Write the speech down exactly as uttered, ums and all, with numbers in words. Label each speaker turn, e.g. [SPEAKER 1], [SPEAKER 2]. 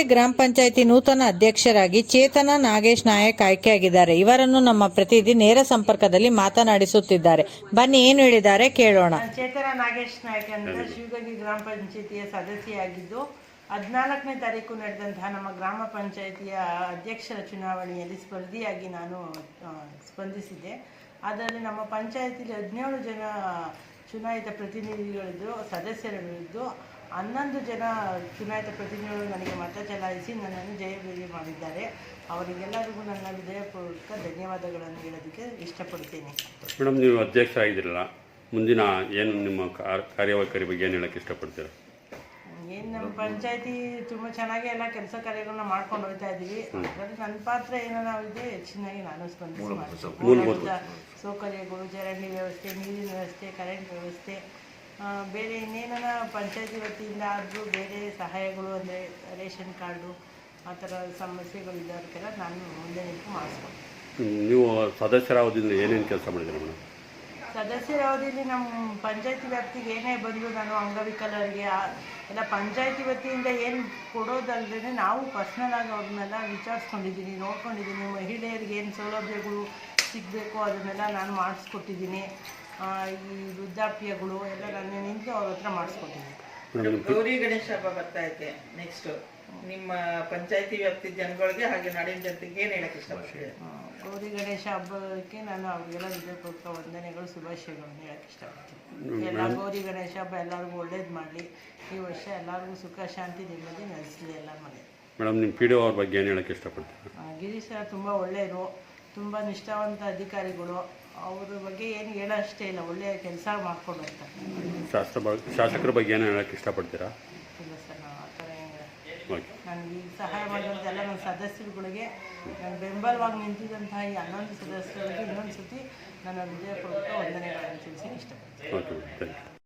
[SPEAKER 1] ಗ್ರಾಮ ಪಂಚಾಯಿತಿ ನೂತನ ಅಧ್ಯಕ್ಷರಾಗಿ ಚೇತನ ನಾಗೇಶ್ ನಾಯಕ್ ಆಯ್ಕೆಯಾಗಿದ್ದಾರೆ. ಇವರನ್ನು ನಮ್ಮ ಪ್ರತಿನಿಧಿ ನೇರ ಸಂಪರ್ಕದಲ್ಲಿ ಮಾತನಾಡಿಸುತ್ತಿದ್ದಾರೆ. ಬನ್ನಿ ಏನು ಹೇಳಿದ್ದಾರೆ ಕೇಳೋಣ.
[SPEAKER 2] ಚೇತನ ನಾಗೇಶ್ ನಾಯಕ್ ಅಂದ್ರೆ ಶಿವಗಂಗೆ ಗ್ರಾಮ ಪಂಚಾಯಿತಿಯ ಸದಸ್ಯೆಯಾಗಿದ್ದು ಹದಿನಾಲ್ಕನೇ ತಾರೀಕು ನಡೆದಂತಹ ನಮ್ಮ ಗ್ರಾಮ ಪಂಚಾಯಿತಿಯ ಅಧ್ಯಕ್ಷರ ಚುನಾವಣೆಯಲ್ಲಿ ಸ್ಪರ್ಧಿಯಾಗಿ ನಾನು ಸ್ಪಂದಿಸಿದ್ದೆ. ಅದರಲ್ಲಿ ನಮ್ಮ ಪಂಚಾಯಿತಿಯಲ್ಲಿ ಹದಿನೇಳು ಜನ ಚುನಾಯಿತ ಪ್ರತಿನಿಧಿಗಳಿದ್ದು ಸದಸ್ಯರಿದ್ದು ಹನ್ನೊಂದು ಜನ ಚುನಾಯಿತ ಪ್ರತಿನಿಧಿಗಳು ನನಗೆ ಮತ ಚಲಾಯಿಸಿ ನನ್ನನ್ನು ಜಯಭೇರಿ ಮಾಡಿದ್ದಾರೆ. ಅವರಿಗೆಲ್ಲರಿಗೂ ನನ್ನ ಹೃದಯಪೂರ್ವಕ ಧನ್ಯವಾದಗಳನ್ನು ಹೇಳೋದಕ್ಕೆ ಇಷ್ಟಪಡ್ತೀನಿ.
[SPEAKER 3] ಮೇಡಮ್, ನೀವು ಅಧ್ಯಕ್ಷ ಆಗಿದ್ರಲ್ಲ, ಮುಂದಿನ ಏನು ನಿಮ್ಮ ಕಾರ್ಯವೈಖರಿ ಬಗ್ಗೆ ಏನು ಹೇಳೋಕ್ಕೆ ಇಷ್ಟಪಡ್ತೀರಾ?
[SPEAKER 2] ಏನು ನಮ್ಮ ಪಂಚಾಯತಿ ತುಂಬ ಚೆನ್ನಾಗಿ ಎಲ್ಲ ಕೆಲಸ ಕಾರ್ಯಗಳನ್ನ ಮಾಡ್ಕೊಂಡು ಹೋಗ್ತಾ ಇದ್ದೀವಿ. ಅದರಲ್ಲಿ ನನ್ನ ಪಾತ್ರ ಏನೋ ನಾವಿದೆ ಹೆಚ್ಚಿನಾಗಿ ನಾನು ಸ್ಪಂದಿಸಿ ಮಾಡ್ತೀನಿ. ಮೂಲಭೂತ ಸೌಕರ್ಯಗಳು, ಚರಂಡಿ ವ್ಯವಸ್ಥೆ, ನೀರಿನ ವ್ಯವಸ್ಥೆ, ಕರೆಂಟ್ ವ್ಯವಸ್ಥೆ, ಬೇರೆ ಇನ್ನೇನ ಪಂಚಾಯತಿ ವತಿಯಿಂದ ಆದರೂ ಬೇರೆ ಸಹಾಯಗಳು ಅಂದರೆ ರೇಷನ್ ಕಾರ್ಡು ಆ ಥರ ಸಮಸ್ಯೆಗಳು ಇದ್ದವ್ರಿಗೆಲ್ಲ ನಾನು ಮುಂದೆ ನಿಂತು ಮಾಡಿಸ್ಕೊಂಡು.
[SPEAKER 3] ನೀವು ಸದಸ್ಯರ ಅವಧಿಯಿಂದ ಏನೇನು ಕೆಲಸ ಮಾಡಿದ್ದೀರಾ ಮೇಡಮ್?
[SPEAKER 2] ಸದಸ್ಯರ ಅವಧಿಯಲ್ಲಿ ನಮ್ಮ ಪಂಚಾಯತಿ ವ್ಯಾಪ್ತಿಗೆ ಏನೇ ಬಂದು ನಾನು ಅಂಗವಿಕಲರಿಗೆ ಎಲ್ಲ ಪಂಚಾಯತಿ ವತಿಯಿಂದ ಏನು ಕೊಡೋದಲ್ಲದೆ ನಾವು ಪರ್ಸ್ನಲ್ ಆಗಿ ಅವ್ರನ್ನೆಲ್ಲ ವಿಚಾರಿಸ್ಕೊಂಡಿದ್ದೀನಿ, ನೋಡ್ಕೊಂಡಿದ್ದೀನಿ. ಮಹಿಳೆಯರಿಗೆ ಏನು ಸೌಲಭ್ಯಗಳು ಸಿಗಬೇಕು ಅದನ್ನೆಲ್ಲ ನಾನು ಮಾಡಿಸ್ಕೊಟ್ಟಿದ್ದೀನಿ. ಈ ವೃದ್ಧಾಪ್ಯಗಳು ಎಲ್ಲ ನಾನು ನಿಂತು ಅವ್ರ ಹತ್ರ ಮಾಡಿಸ್ಕೊಟ್ಟಿದ್ದೀನಿ.
[SPEAKER 4] ಗೌರಿ ಗಣೇಶ ಹಬ್ಬ ಬರ್ತಾ ಐತೆ. ನೆಕ್ಸ್ಟ್ ನಿಮ್ಮ ಪಂಚಾಯತಿ ವ್ಯಾಪ್ತಿ ಜನಗಳಿಗೆ ಹಾಗೆ ನಾಡಿನ ಜನತೆಗೆ ಏನು ಹೇಳಕ್ಕೆ ಇಷ್ಟಪಡ್ತೀವಿ?
[SPEAKER 2] ಗೌರಿ ಗಣೇಶ ಹಬ್ಬಕ್ಕೆ ನಾನು ಅವ್ರಿಗೆಲ್ಲ ಹೃದಯಪೂರ್ವಕ ವಂದನೆಗಳು, ಶುಭಾಶಯಗಳನ್ನು ಹೇಳಕ್ಕೆ ಇಷ್ಟಪಡ್ತೀನಿ. ಎಲ್ಲ ಗೌರಿ ಗಣೇಶ ಹಬ್ಬ ಎಲ್ಲರಿಗೂ ಒಳ್ಳೇದು ಮಾಡಲಿ. ಈ ವರ್ಷ ಎಲ್ಲರಿಗೂ ಸುಖ ಶಾಂತಿ ನೆಮ್ಮದಿ ನೆಲೆಸಲಿ ಎಲ್ಲ ಮನೆ.
[SPEAKER 3] ಮೇಡಮ್, ನಿಮ್ಮ ಪಿ ಡಿ ಒ ಅವ್ರ ಬಗ್ಗೆ ಏನು ಹೇಳಕ್ಕೆ ಇಷ್ಟಪಡ್ತೀವಿ?
[SPEAKER 2] ಗಿರೀಶ್ ಸರ್ ತುಂಬ ಒಳ್ಳೆಯರು, ತುಂಬ ನಿಷ್ಠಾವಂತ ಅಧಿಕಾರಿಗಳು. ಅವ್ರ ಬಗ್ಗೆ ಏನು ಹೇಳೋಷ್ಟೇ ಇಲ್ಲ, ಒಳ್ಳೆಯ ಕೆಲಸ ಮಾಡ್ಕೊಂಡು ಹೋಗ್ತಾರೆ.
[SPEAKER 3] ಶಾಸ್ತ್ರ ಶಾಸಕರ ಬಗ್ಗೆ ಏನು ಹೇಳಕ್ಕೆ ಇಷ್ಟಪಡ್ತೀರಾ?
[SPEAKER 2] ಇಲ್ಲ ಸರ್, ನಾವು ಆ ಥರ ಏನು ನನಗೆ ಈ ಸಹಾಯ ಮಾಡಿದಂತೆಲ್ಲ ನನ್ನ ಸದಸ್ಯರುಗಳಿಗೆ ನಾನು ಬೆಂಬಲವಾಗಿ ನಿಂತಿದ್ದಂತಹ ಈ ಹನ್ನೊಂದು ಸದಸ್ಯರಿಗೆ ಇನ್ನೊಂದು ಸತಿ ನನ್ನ ಹೃದಯಪೂರ್ವಕ ವಂದನೆಗಳನ್ನು ತಿಳಿಸಿ ಇಷ್ಟಪಡ್ತೀನಿ.
[SPEAKER 3] Okay, thank you.